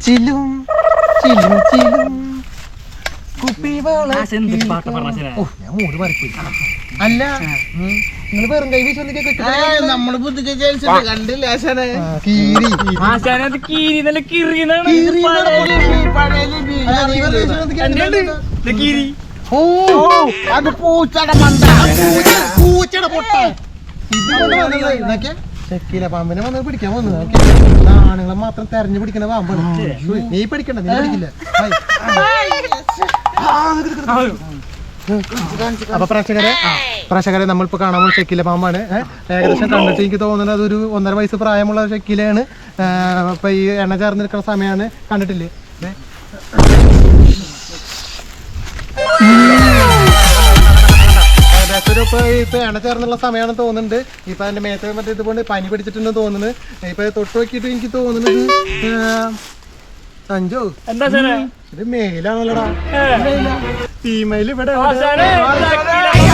ചിലും ചിലും ചിലും ഞാൻ മൂട് മറിപ്പോയി. അല്ല നിങ്ങൾ വെറും കൈ വീശി നമ്മള് കണ്ടില്ല അത് പൂച്ചയുടെ മണ്ട പൂച്ചയുടെ പൊട്ട ചെക്കില പാമ്പിനെ വന്ന് പിടിക്കാൻ വന്നു. ആണുങ്ങളെ മാത്രം തെരഞ്ഞു പിടിക്കണ പാമ്പാണ്. നീ പിടിക്കണ്ട, നീ പിടിക്കില്ല. അപ്പൊ പ്രേക്ഷകരെ നമ്മളിപ്പോ കാണാൻ പോകുന്ന ചെക്കില പാമ്പാണ്. ഏകദേശം കണ്ടിട്ട് എനിക്ക് തോന്നുന്നത് അതൊരു 1.5 വയസ്സ് പ്രായമുള്ള ചെക്കിലയാണ്. ഇപ്പൊ ഈ എണ്ണ ചേർന്ന് നിൽക്കുന്ന സമയമാണ്. കണ്ടിട്ടില്ലേ? ഇപ്പൊ എണ്ണ ചേർന്നുള്ള സമയമാണെന്ന് തോന്നുന്നുണ്ട്. ഇപ്പൊ അതിന്റെ മേത്ത് മറ്റേ ഇതുകൊണ്ട് പനി പിടിച്ചിട്ടുണ്ടെന്ന് തോന്നുന്നു. ഇപ്പൊ തൊട്ട് നോക്കിയിട്ട് എനിക്ക് തോന്നുന്നത് സഞ്ജു ഇത് മേലാണല്ലോടാ. ഫീമെയിൽ ഇവിടെ